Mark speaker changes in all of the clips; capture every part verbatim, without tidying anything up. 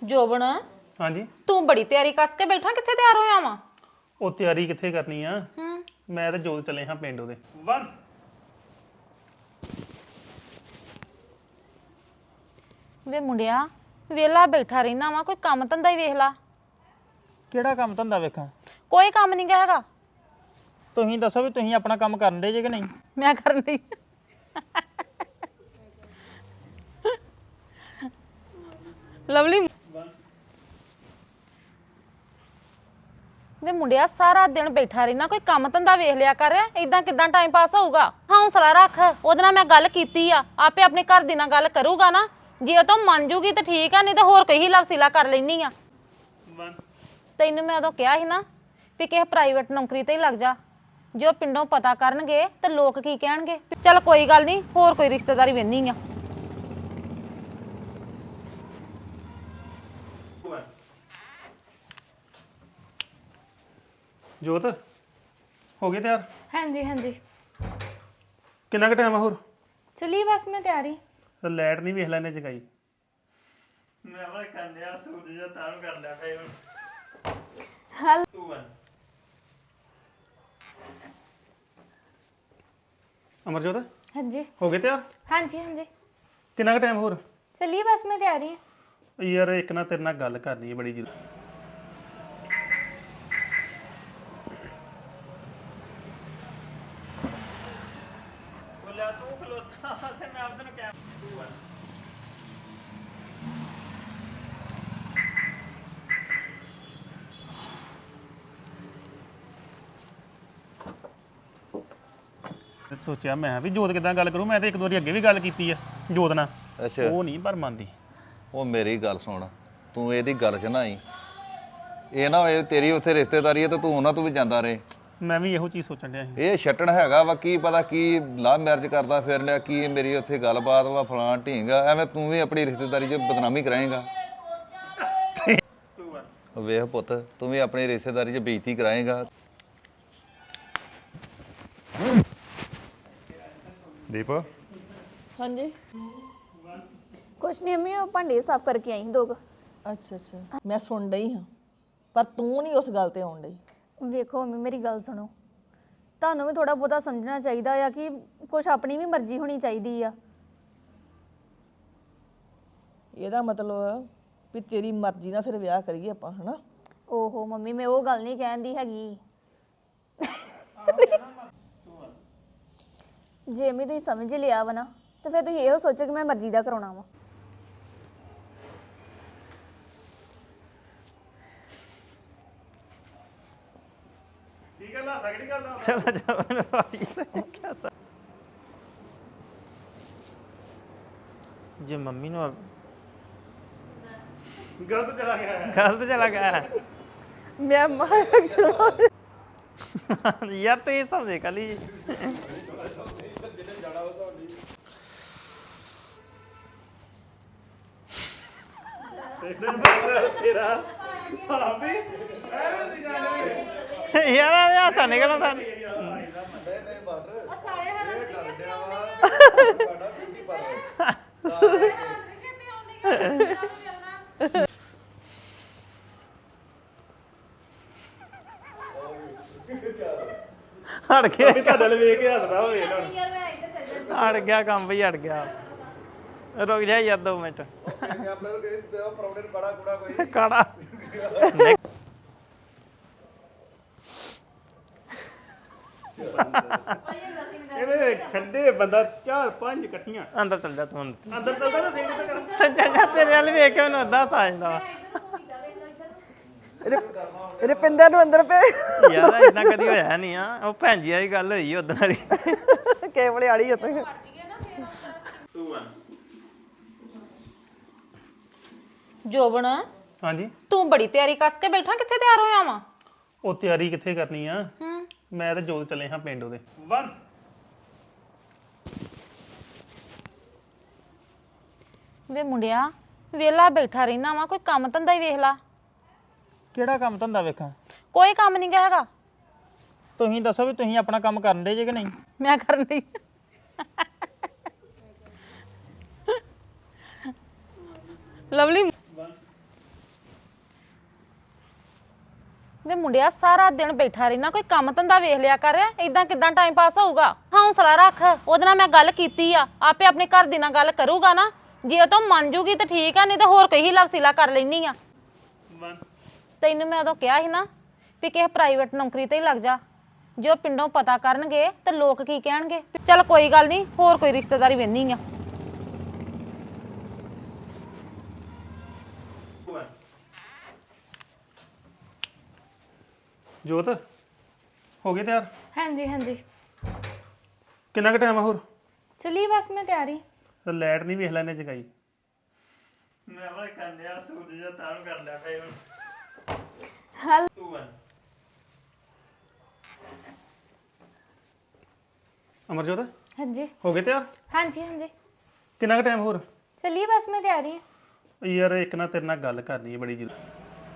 Speaker 1: ਜੋਬਨ
Speaker 2: ਹਾਂਜੀ
Speaker 1: ਤੂੰ ਬੜੀ ਤਿਆਰੀ ਕੱਸ ਕੇ ਬੈਠਾ ਕਿੱਥੇ ਤਿਆਰ ਹੋਇਆ ਵਾ
Speaker 2: ਉਹ ਤਿਆਰੀ ਕਿੱਥੇ ਕਰਨੀ ਆ
Speaker 1: ਹੂੰ
Speaker 2: ਮੈਂ ਤੇ ਜੋਤ ਚੱਲੇ ਹਾਂ ਪਿੰਡ ਉਹਦੇ ਇੱਕ
Speaker 1: ਵੇ ਮੁੰਡਿਆ ਵੇਲਾ ਬੈਠਾ ਰਹਿਣਾ ਵਾ ਕੋਈ ਕੰਮ ਧੰਦਾ ਹੀ ਵੇਖ ਲਾ
Speaker 3: ਕਿਹੜਾ ਕੰਮ ਧੰਦਾ ਵੇਖਾਂ
Speaker 1: ਕੋਈ ਕੰਮ ਨਹੀਂ ਹੈਗਾ
Speaker 3: ਤੁਸੀਂ ਦੱਸੋ ਵੀ ਤੁਸੀਂ ਆਪਣਾ ਕੰਮ ਕਰਨ ਦੇ ਜੇ ਕਿ ਨਹੀਂ
Speaker 1: ਮੈਂ ਕਰਨ ਦੀ ਲਵਲੀ ਵੇ ਮੁੰਡਿਆ ਸਾਰਾ ਦਿਨ ਬੈਠਾ ਰਹਿਣਾ ਕੋਈ ਕੰਮ ਧੰਦਾ ਵੇਖ ਲਿਆ ਕਰ ਇਦਾਂ ਕਿਦਾਂ ਟਾਈਮ ਪਾਸ ਹੋਊਗਾ ਹੌਸਲਾ ਰੱਖ ਉਹਦੇ ਨਾਲ ਮੈਂ ਗੱਲ ਕੀਤੀ ਆ ਆਪੇ ਆਪਣੇ ਘਰ ਦੀ ਨਾਲ ਗੱਲ ਕਰੂਗਾ ਨਾ ਜੇ ਉਹ ਤੋਂ ਮੰਨ ਜੂਗੀ ਤਾਂ ਠੀਕ ਆ ਨਹੀਂ ਤਾਂ ਹੋਰ ਕੋਈ ਹੀਲਾ ਵਸੀਲਾ ਕਰ ਲੈਣੀ ਆ ਤੈਨੂੰ ਮੈਂ ਉਦੋਂ ਕਿਹਾ ਸੀ ਨਾ ਵੀ ਕਿਸੇ ਪ੍ਰਾਈਵੇਟ ਨੌਕਰੀ ਤੇ ਹੀ ਲੱਗ ਜਾ ਜੇ ਉਹ ਪਿੰਡੋਂ ਪਤਾ ਕਰਨਗੇ ਤੇ ਲੋਕ ਕੀ ਕਹਿਣਗੇ ਚੱਲ ਕੋਈ ਗੱਲ ਨਹੀਂ ਹੋਰ ਕੋਈ ਰਿਸ਼ਤੇਦਾਰੀ ਵੇਖਣੀ ਆ
Speaker 2: ਜੋਤ ਹੋ ਗਏ ਤਿਆਰ
Speaker 4: ਹਾਂਜੀ ਹਾਂਜੀ
Speaker 2: ਕਿੰਨਾ ਕੁ ਟਾਈਮ ਆ ਹੋਰ
Speaker 4: ਚਲਿए बस मैं तैयारी
Speaker 2: ਤੇ ਲਾਈਟ ਨਹੀਂ ਵੇਖ ਲੈਣੇ ਜਗਾਈ
Speaker 3: ਮੈਂ ਵਾ ਕੰਨਿਆ ਸੂਟ ਜਿਹਾ ਤਾਂ ਕਰ ਲਿਆ ਫੇ
Speaker 4: हेलो
Speaker 3: ਤੂੰ ਆ
Speaker 2: ਅਮਰਜੋਤ
Speaker 4: हाँ जी
Speaker 2: ਹੋ ਗਏ ਤਿਆਰ
Speaker 4: हाँ जी हाँ जी
Speaker 2: ਕਿੰਨਾ ਕੁ ਟਾਈਮ ਹੋਰ
Speaker 4: चलिए बस मैं तैयारी है
Speaker 2: ਯਾਰ ਇੱਕ ਨਾ ਤੇਰੇ ਨਾਲ ਗੱਲ ਕਰਨੀ ਹੈ ਬੜੀ ਜ਼ਰੂਰੀ
Speaker 3: ਬੋਲਿਆ ਤੂੰ ਖਲੋਤਾ ਤੇ ਮੈਂ ਆਪਦੇ ਨੂੰ ਕਹਿ ਤੂੰ ਆ
Speaker 2: ਤੇ ਸੋਚਿਆ ਮੈਂ ਵੀ ਜੋਤ ਕਿਦਾਂ ਗੱਲ ਕਰੂ ਮੈਂ ਤੇ ਇੱਕ ਦੋ ਵਾਰੀ ਅੱਗੇ ਵੀ ਗੱਲ ਕੀਤੀ ਆ ਜੋਤ ਨਾਲ
Speaker 5: ਅੱਛਾ
Speaker 2: ਉਹ ਨਹੀਂ ਪਰ ਮੰਨਦੀ
Speaker 5: ਉਹ ਮੇਰੀ ਗੱਲ ਸੁਣ ਤੂੰ ਇਹਦੀ ਗੱਲ 'ਚ ਨਾ ਆਈ ਇਹ ਨਾ ਹੋਏ ਤੇਰੀ ਉੱਥੇ ਰਿਸ਼ਤੇਦਾਰੀ ਹੈ ਤੇ ਤੂੰ ਉਹਨਾਂ ਤੋਂ ਵੀ ਜਾਂਦਾ ਰਹੇ
Speaker 2: ਮੈਂ ਵੀ ਇਹੋ ਚੀਜ਼ ਸੋਚਣ ਡਿਆ ਸੀ
Speaker 5: ਇਹ ਛੱਟਣ ਹੈਗਾ ਵਾ ਕੀ ਪਤਾ ਕੀ ਲਵ ਮੈਰਿਜ ਕਰਦਾ ਫਿਰ ਲਿਆ ਕੀ ਮੇਰੀ ਉੱਥੇ ਗੱਲਬਾਤ ਵਾ ਫਲਾਂ ਢੀਂਗਾ ਐਵੇਂ ਤੂੰ ਵੀ ਆਪਣੀ ਰਿਸ਼ਤੇਦਾਰੀ 'ਚ ਬਦਨਾਮੀ ਕਰਾਏਂਗਾ ਵੇਖ ਪੁੱਤ ਤੂੰ ਵੀ ਆਪਣੀ ਰਿਸ਼ਤੇਦਾਰੀ 'ਚ ਬੇਇੱਜ਼ਤੀ ਕਰਾਏਂਗਾ
Speaker 2: ਦੀਪ
Speaker 6: ਹਾਂਜੀ
Speaker 7: ਕੁਛ ਨਹੀਂ ਅੰਮੀ ਉਹ ਭਾਂਡੇ ਸਾਫ਼ ਕਰਕੇ ਆਈ ਦੋ ਕੁ।
Speaker 6: ਅੱਛਾ ਅੱਛਾ ਮੈਂ ਸੁਣ ਡਈ ਹਾਂ ਪਰ ਤੂੰ ਨਹੀਂ ਉਸ ਗੱਲ ਤੇ ਆਉਣ ਡਈ
Speaker 7: ਵੇਖੋ ਅੰਮੀ ਮੇਰੀ ਗੱਲ ਸੁਣੋ ਤੁਹਾਨੂੰ ਵੀ ਥੋੜਾ ਬਹੁਤਾ ਸਮਝਣਾ ਚਾਹੀਦਾ ਆ ਕਿ ਕੁਛ ਆਪਣੀ ਵੀ ਮਰਜ਼ੀ ਹੋਣੀ ਚਾਹੀਦੀ ਆ
Speaker 6: ਇਹਦਾ ਮਤਲਬ ਵੀ ਤੇਰੀ ਮਰਜ਼ੀ ਨਾਲ ਫਿਰ ਵਿਆਹ ਕਰੀਏ ਆਪਾਂ ਹਨਾ
Speaker 7: ਓਹੋ ਮੰਮੀ ਮੈਂ ਉਹ ਗੱਲ ਨਹੀਂ ਕਹਿੰਦੀ ਹੈਗੀ ਜੇ ਮੈਂ ਤੁਸੀਂ ਸਮਝ ਹੀ ਲਿਆ ਵਾ ਨਾ ਤਾਂ ਫਿਰ ਤੁਸੀਂ ਇਹੋ ਸੋਚੋ ਕਿ ਮੈਂ ਮਰਜ਼ੀ ਦਾ ਕਰਾਉਣਾ ਵਾ
Speaker 2: ਕੀ ਗੱਲ ਆ ਸਗੜੀ ਗੱਲ ਆ
Speaker 3: ਚਲੋ ਚਲੋ ਭਾਈ ਕੀ ਜੇ ਮੰਮੀ ਨੂੰ
Speaker 2: ਗਲਤ ਚਲਾ ਗਿਆ
Speaker 3: ਗਲਤ ਚਲਾ ਗਿਆ
Speaker 6: ਮੈਂ ਮਾਰ
Speaker 3: ਯਾਰ ਤੂੰ ਇਹ ਸਮਝੇ ਕਲੀ
Speaker 2: ਤੇਰਾ ਹਾਂ ਵੀ
Speaker 3: ਯਾਰ ਆ ਹੱਸਾ ਨਿਕਲਣਾ ਤਾਂ ਹਟ ਗਿਆ
Speaker 2: ਤੁਹਾਡੇ ਨਾਲ ਵੇਖ ਕੇ ਹੱਸਦਾ ਹੋਵੇ ਹੁਣ
Speaker 3: ਹਟ ਗਿਆ ਕੰਮ ਵੀ ਹਟ ਗਿਆ ਰੁਕ ਜਾ ਯਾਰ ਦੋ ਮਿੰਟ ਕਾੜਾ
Speaker 2: ਇਹਨੇ ਛੱਡੇ ਬੰਦਾ ਚਾਰ ਪੰਜ ਇਕੱਠੀਆਂ
Speaker 3: ਅੰਦਰ ਚੱਲ ਜਾ ਤੂੰ ਅੰਦਰ
Speaker 2: ਅੰਦਰ ਚੱਲਦਾ ਨਾ ਸਿੰਘ ਤੇ ਕਰ
Speaker 3: ਸੱਜਾ ਜਾ ਤੇਰੇ ਵਾਲ ਵੇਖ ਕੇ ਮੈਨੂੰ ਅੱਧਾ ਸਾਜਦਾ ਵਾ
Speaker 6: ਰੁਪਿੰਦਰ ਨੂੰ ਅੰਦਰ ਪੇ
Speaker 3: ਯਾਰ ਇਦਾਂ ਕਦੀ ਹੋਇਆ ਨਹੀਂ ਆ ਉਹ ਭੈਣ ਜੀ ਵਾਲੀ ਗੱਲ ਹੋਈ ਉਦੋਂ ਵਾਲੀ
Speaker 6: ਕੇਵਲੇ ਵਾਲੀ ਉੱਤੇ
Speaker 1: ਜੋਬਨ
Speaker 2: ਹਾਂਜੀ
Speaker 1: ਤੂੰ ਬੜੀ ਤਿਆਰੀ ਕੱਸ ਕੇ ਬੈਠਾ ਕਿੱਥੇ ਤਿਆਰ ਹੋਇਆ ਵਾ
Speaker 2: ਉਹ ਤਿਆਰੀ ਕਿੱਥੇ ਕਰਨੀ ਆ
Speaker 1: ਹੂੰ
Speaker 2: ਮੈਂ ਤੇ ਜੋਤ ਚੱਲੇ ਹਾਂ ਪਿੰਡ ਉਹਦੇ
Speaker 1: ਵੇ ਮੁੰਡਿਆ ਵੇਲਾ ਬੈਠਾ ਰਹਿਣਾ ਵਾ ਕੋਈ ਕੰਮ ਧੰਦਾ ਹੀ ਵੇਖ ਲਾ
Speaker 3: ਕਿਹੜਾ ਕੰਮ ਧੰਦਾ ਵੇਖਾਂ
Speaker 1: ਕੋਈ ਕੰਮ ਨਹੀਂ ਹੈਗਾ
Speaker 3: ਤੁਸੀਂ ਦੱਸੋ ਵੀ ਤੁਸੀਂ ਆਪਣਾ ਕੰਮ ਕਰਨ ਦੇ ਜੇ ਕਿ ਨਹੀਂ
Speaker 1: ਮੈਂ ਕਰਨ ਦੀ ਲਵਲੀ ਮੁੰਡਿਆ ਸਾਰਾ ਦਿਨ ਬੈਠਾ ਰਹਿਣਾ ਕੋਈ ਕੰਮ ਧੰਦਾ ਵੇਖ ਲਿਆ ਕਰ ਇਦਾਂ ਕਿਦਾਂ ਟਾਈਮ ਪਾਸ ਹੋਊਗਾ ਹੌਸਲਾ ਰੱਖ ਉਹਦੇ ਨਾਲ ਮੈਂ ਗੱਲ ਕੀਤੀ ਆ ਆਪੇ ਆਪਣੇ ਘਰ ਦੀ ਨਾਲ ਗੱਲ ਕਰੂਗਾ ਨਾ ਜੇ ਉਹ ਤੋਂ ਮੰਨ ਜੂਗੀ ਤਾਂ ਠੀਕ ਆ ਨਹੀਂ ਤਾਂ ਹੋਰ ਕੋਈ ਹੀ ਲਵਸੀਲਾ ਕਰ ਲੈਣੀ ਆ ਤੈਨੂੰ ਮੈਂ ਉਦੋਂ ਕਿਹਾ ਸੀ ਨਾ ਵੀ ਕਿਸੇ ਪ੍ਰਾਈਵੇਟ ਨੌਕਰੀ ਤੇ ਹੀ ਲੱਗ ਜਾ ਜੋ ਪਿੰਡੋਂ ਪਤਾ ਕਰਨਗੇ ਤੇ ਲੋਕ ਕੀ ਕਹਿਣਗੇ ਚੱਲ ਕੋਈ ਗੱਲ ਨਹੀਂ ਹੋਰ ਕੋਈ ਰਿਸ਼ਤੇਦਾਰੀ ਵੇਖਣੀ ਆ
Speaker 2: ਜੋਤ ਹੋ ਗਏ ਤਿਆਰ
Speaker 4: हाँ जी हाँ जी
Speaker 2: ਕਿੰਨਾ ਕੁ ਟਾਈਮ ਆ ਹੋਰ
Speaker 4: चलिए बस मैं तैयार ही
Speaker 2: ਤੇ ਲਾਈਟ ਨਹੀਂ ਵੇਖ ਲੈਣੇ ਜਗਾਈ
Speaker 3: ਮੈਂ ਵਾ ਕੰਨਿਆ ਸੂਰਜ ਦਾ ਤਾਂ ਕਰ ਲਿਆ ਫੇ ਹੁਣ
Speaker 4: हल
Speaker 3: ਤੂੰ ਵਨ
Speaker 2: ਅਮਰਜੋਤ
Speaker 4: हाँ जी
Speaker 2: ਹੋ ਗਏ ਤਿਆਰ
Speaker 4: हाँ जी हाँ जी
Speaker 2: ਕਿੰਨਾ ਕੁ ਟਾਈਮ ਹੋਰ
Speaker 4: चलिए बस मैं तैयार ही
Speaker 2: ਯਾਰ ਇੱਕ ਨਾ ਤੇਰੇ ਨਾਲ ਗੱਲ ਕਰਨੀ ਹੈ ਬੜੀ ਜ਼ਰੂਰੀ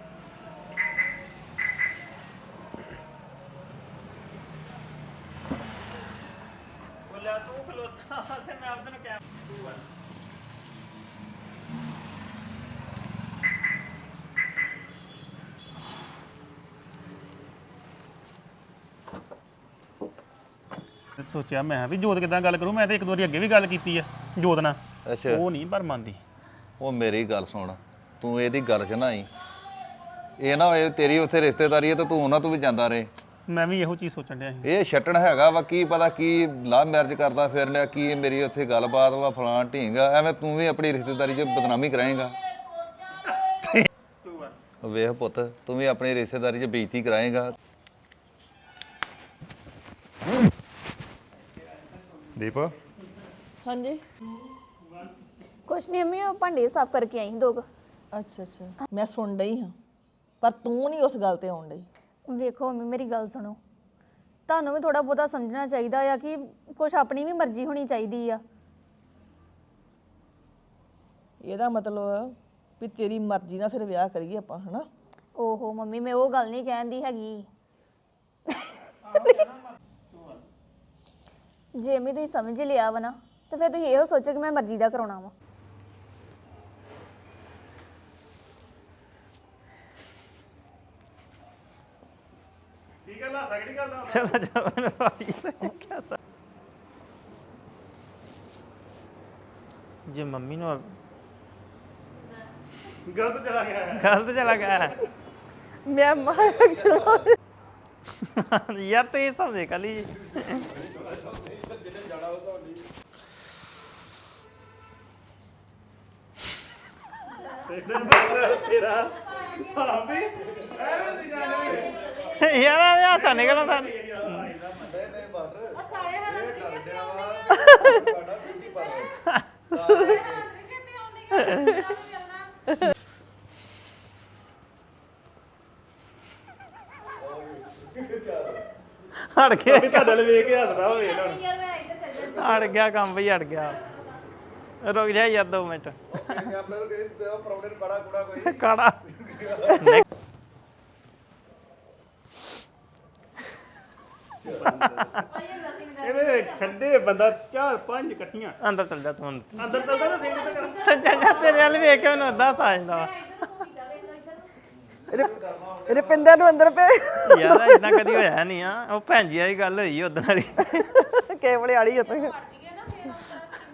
Speaker 3: ਬੋਲਿਆ ਤੂੰ ਖਲੋਤਾ ਤੇ ਮੈਂ ਆਪਦੇ ਨੂੰ ਕਹਿ ਤੂੰ ਵਨ
Speaker 2: ਸੋਚਿਆ ਮੈਂ ਵੀ ਜੋਤ ਕਿਦਾਂ ਗੱਲ ਕਰੂ ਮੈਂ ਤਾਂ ਇੱਕ ਦੋ ਵਾਰੀ ਅੱਗੇ ਵੀ ਗੱਲ ਕੀਤੀ ਆ ਜੋਤ ਨਾਲ
Speaker 5: ਅੱਛਾ
Speaker 2: ਉਹ ਨਹੀਂ ਪਰ ਮੰਨਦੀ
Speaker 5: ਉਹ ਮੇਰੀ ਗੱਲ ਸੁਣ ਤੂੰ ਇਹਦੀ ਗੱਲ 'ਚ ਨਾ ਆਈ ਇਹ ਨਾ ਹੋਏ ਤੇਰੀ ਉੱਥੇ ਰਿਸ਼ਤੇਦਾਰੀ ਹੈ ਤੇ ਤੂੰ ਉਹਨਾਂ ਤੋਂ ਵੀ ਜਾਂਦਾ ਰਹੇ
Speaker 2: ਮੈਂ ਵੀ ਇਹੋ ਚੀਜ਼ ਸੋਚਣ ਡਿਆ ਸੀ
Speaker 5: ਇਹ ਛੱਟਣ ਹੈਗਾ ਵਾ ਕੀ ਪਤਾ ਕੀ ਲਵ ਮੈਰਿਜ ਕਰਦਾ ਫਿਰ ਲਿਆ ਕੀ ਮੇਰੀ ਉੱਥੇ ਗੱਲਬਾਤ ਵਾ ਫਲਾਂ ਢੀਂਗਾ ਐਵੇਂ ਤੂੰ ਵੀ ਆਪਣੀ ਰਿਸ਼ਤੇਦਾਰੀ 'ਚ ਬਦਨਾਮੀ ਕਰਾਏਗਾ
Speaker 3: ਤੂੰ ਵਨ
Speaker 5: ਵੇਖ ਪੁੱਤ ਤੂੰ ਵੀ ਆਪਣੀ ਰਿਸ਼ਤੇਦਾਰੀ 'ਚ ਬੇਇੱਜ਼ਤੀ ਕਰਾਏਗਾ
Speaker 2: ਦੀਪ
Speaker 6: ਹਾਂਜੀ
Speaker 7: ਕੁਛ ਨਹੀਂ ਅੰਮੀ ਉਹ ਭਾਂਡੇ ਸਾਫ਼ ਕਰਕੇ ਆਈ ਦੋ ਕੁ।
Speaker 6: ਅੱਛਾ ਅੱਛਾ ਮੈਂ ਸੁਣ ਡਈ ਹਾਂ ਪਰ ਤੂੰ ਨਹੀਂ ਉਸ ਗੱਲ ਤੇ ਆਉਣ ਡਈ
Speaker 7: ਵੇਖੋ ਅੰਮੀ ਮੇਰੀ ਗੱਲ ਸੁਣੋ ਤੁਹਾਨੂੰ ਵੀ ਥੋੜਾ ਬਹੁਤਾ ਸਮਝਣਾ ਚਾਹੀਦਾ ਆ ਕਿ ਕੁਛ ਆਪਣੀ ਵੀ ਮਰਜ਼ੀ ਹੋਣੀ ਚਾਹੀਦੀ ਆ
Speaker 6: ਇਹਦਾ ਮਤਲਬ ਵੀ ਤੇਰੀ ਮਰਜ਼ੀ ਨਾਲ ਫਿਰ ਵਿਆਹ ਕਰੀਏ ਆਪਾਂ ਹਨਾ
Speaker 7: ਓਹੋ ਮੰਮੀ ਮੈਂ ਉਹ ਗੱਲ ਨਹੀਂ ਕਹਿੰਦੀ ਹੈਗੀ ਜੇ ਮੈਂ ਤੁਸੀਂ ਸਮਝ ਲਿਆ ਵਾ ਨਾ ਤੇ ਫਿਰ ਤੁਸੀਂ ਇਹੋ ਸੋਚੋ ਕਿ ਮੈਂ ਮਰਜ਼ੀ ਦਾ ਕਰਾਉਣਾ ਵਾ
Speaker 2: ਕੀ ਗੱਲ ਆ ਸਗੜੀ ਗੱਲ ਦਾ
Speaker 3: ਚਲਾ ਜਾ ਮੈਨੂੰ ਭਾਈ ਕਿਆ ਸਾ ਜੇ ਮੰਮੀ ਨੂੰ
Speaker 2: ਗਲਤ ਚਲਾ ਗਿਆ
Speaker 3: ਗਲਤ ਚਲਾ ਗਿਆ
Speaker 6: ਮੈਂ ਮਾਰ
Speaker 3: ਯਾਰ ਤੂੰ ਇਹ ਸਮਝੇ ਕਲੀ ਯਾਰ ਆ ਹਾਸਾ ਨਿਕਲ ਆਉਂਦਾ ਹਟ ਗਿਆ
Speaker 2: ਤੁਹਾਡੇ ਲਈ ਵੇਖ ਕੇ ਹੱਸਦਾ ਹੋਵੇ ਨਾ
Speaker 3: ਹਟ ਗਿਆ ਕੰਮ ਵੀ ਹਟ ਗਿਆ ਰੁਕ ਜਾ ਯਾਰ ਦੋ ਮਿੰਟ ਕਾੜਾ
Speaker 2: ਇਹਦੇ ਛੱਡੇ ਬੰਦਾ ਚਾਰ ਪੰਜ ਇਕੱਠੀਆਂ
Speaker 3: ਅੰਦਰ ਚੱਲ ਜਾ ਤੂੰ ਅੰਦਰ
Speaker 2: ਅੰਦਰ ਤੱਕ ਨਾ ਸਿੰਘ ਤੇ ਕਰ
Speaker 3: ਸੱਜਾ ਜਾ ਤੇਰੇ ਵੱਲ ਵੇਖ ਕੇ ਮੈਨੂੰ ਅੱਧਾ ਸਾਜਦਾ
Speaker 6: ਰੁਪਿੰਦਰ ਨੂੰ ਅੰਦਰ ਪੇ
Speaker 3: ਯਾਰ ਇਦਾਂ ਕਦੀ ਹੋਇਆ ਨਹੀਂ ਆ ਉਹ ਭੈਣ ਜੀ ਵਾਲੀ ਗੱਲ ਹੋਈ ਉਦੋਂ ਵਾਲੀ
Speaker 6: ਕੇਵਲੇ ਵਾਲੀ ਉੱਤੇ